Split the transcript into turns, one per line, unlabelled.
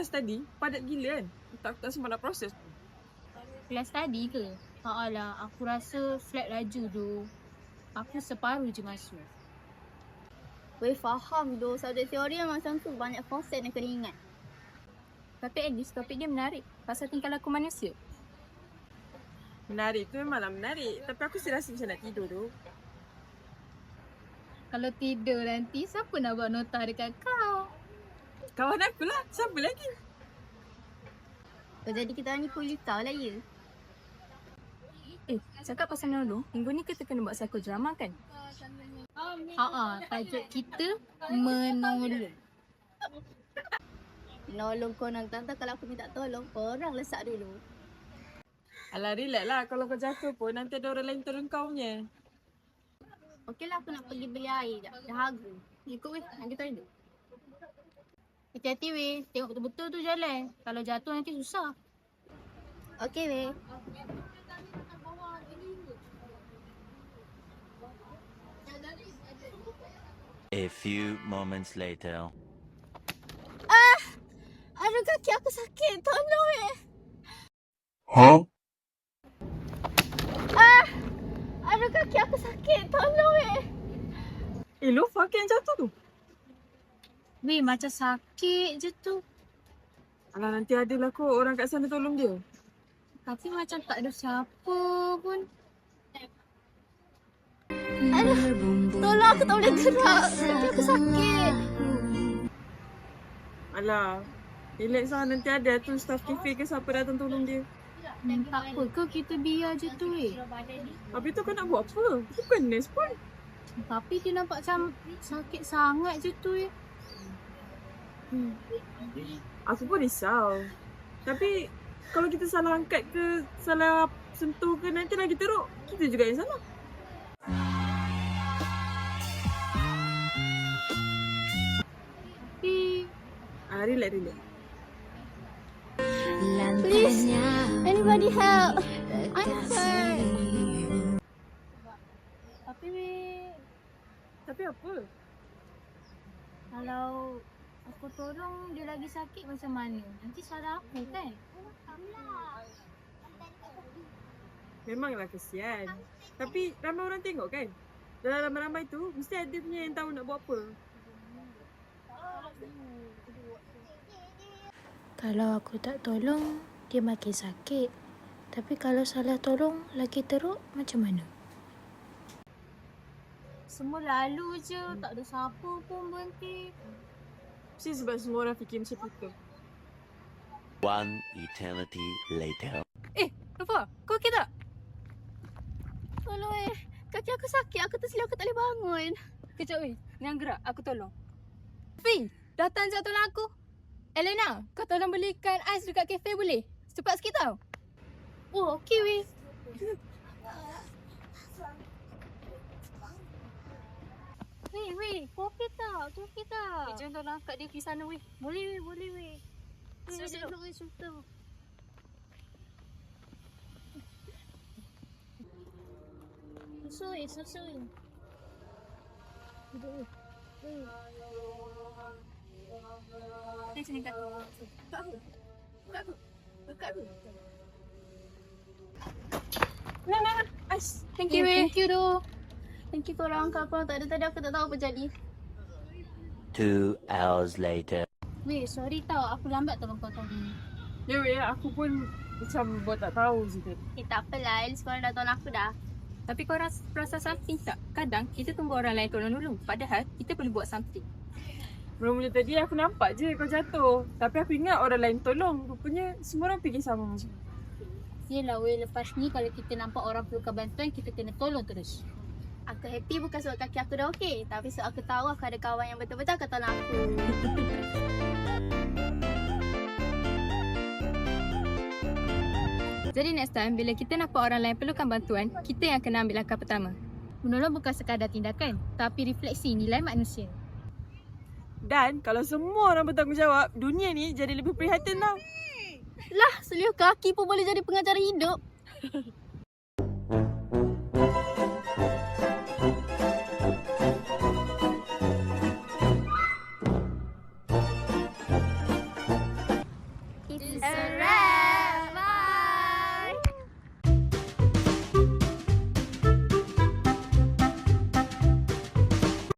kelas tadi padat gila kan. Tak sempat nak proses.
Kelas tadi ke? Alah, aku rasa flat laju tu. Aku separuh je masuk.
Weh, faham tu. Subjek teori yang macam tu banyak konsep yang kena ingat.
Tapi at least topik dia menarik. Pasal tingkah laku manusia.
Menarik tu memanglah menarik. Tapi aku rasa macam nak tidur tu.
Kalau tidur nanti, siapa nak buat nota dekat kau?
Kawan aku lah. Siapa lagi?
Oh, jadi kita ni kulit tahu lah ya.
Cakap pasal menolong, minggu ni kita kena buat psikodrama kan? Tajuk kita menolong.
Nolong kau nak tante kalau aku minta tolong, orang lesak dulu.
Alah, relax lah. Kalau kau jatuh pun nanti ada orang lain turun kau punya.
Okeylah, aku nak pergi beli air dah. Dah haga.
Ikut weh, nak kita toilet. Hati-hati weh, tengok betul-betul tu jalan. Kalau jatuh nanti susah.
Okey weh.
A few moments later.
Aduh, kaki aku sakit. Tolong weh.
Huh?
Aduh, kaki aku sakit. Tolong weh.
Lofa yang jatuh tu.
Weh, macam sakit je tu.
Alah, nanti adalah kot orang kat sana tolong dia.
Tapi macam tak ada siapa pun.
Aduh, tolong, aku tak boleh gerak. Kaki aku sakit.
Alah, relax lah. Nanti ada tu staff kafe ke siapa datang tolong dia.
Tak apa ke kita biar je tu weh.
Habis tu kau nak buat apa? Bukan nurse pun.
Tapi dia nampak macam sakit sangat je tu weh.
Aku pun risau. Tapi kalau kita salah angkat ke, salah sentuh ke, nanti lagi teruk. Kita juga yang salah.
Tapi
Relax.
Please, anybody help. I'm hurt.
Tapi apa?
Kalau aku tolong dia lagi sakit macam mana? Nanti salah aku kan?
Memanglah kesian. Tapi ramai orang tengok kan? Dalam ramai-ramai tu, mesti ada punya yang tahu nak buat apa.
Kalau aku tak tolong, dia makin sakit. Tapi kalau salah tolong, lagi teruk macam mana?
Semua lalu je, tak ada siapa pun berhenti.
Mesti sebab semua orang fikir macam itu.
One eternity later.
Apa? Kau okey tak?
Tolong weh. Kaki aku sakit. Aku tersilap, aku tak boleh bangun.
Kejap weh, jangan gerak, aku tolong. Fi, datang jap tolong aku. Elena, kau tolong belikan ais dekat kafe boleh? Cepat sikit tau.
Oh, okey weh.
Weh, kau okey tak? Kau okey tak? Jom tolong angkat dia pergi sana weh.
Boleh weh.
Duduk.
Weh, sultan. Susu.
Duduk weh. Sini kat. Buka aku.
Nah. Ais.
Thank you weh.
Thank you doh. Thank you korang. Kalau korang tak ada tadi, aku tak tahu apa jadi.
2 hours later.
Weh, sorry tau. Aku lambat tolong kau tadi.
Ya weh, aku pun macam buat tak tahu je kan.
Tak apalah. At least korang dah tolong aku dah.
Tapi kau rasa something tak? Kadang kita tunggu orang lain tolong dulu. Padahal kita perlu buat something.
Mula-mula tadi aku nampak je kau jatuh. Tapi aku ingat orang lain tolong. Rupanya semua orang fikir sama macam.
Yelah weh, lepas ni kalau kita nampak orang perlukan bantuan, kita kena tolong terus.
Aku happy bukan sebab kaki aku dah okey. Tapi sebab aku tahu aku ada kawan yang betul-betul akan tolong aku.
Jadi next time, bila kita nampak orang lain perlukan bantuan, kita yang kena ambil langkah pertama. Menolong bukan sekadar tindakan, tapi refleksi nilai manusia.
Dan kalau semua orang bertanggungjawab, dunia ni jadi lebih prihatin tau.
Lah, seliuh kaki pun boleh jadi pengacara hidup. It's a wrap.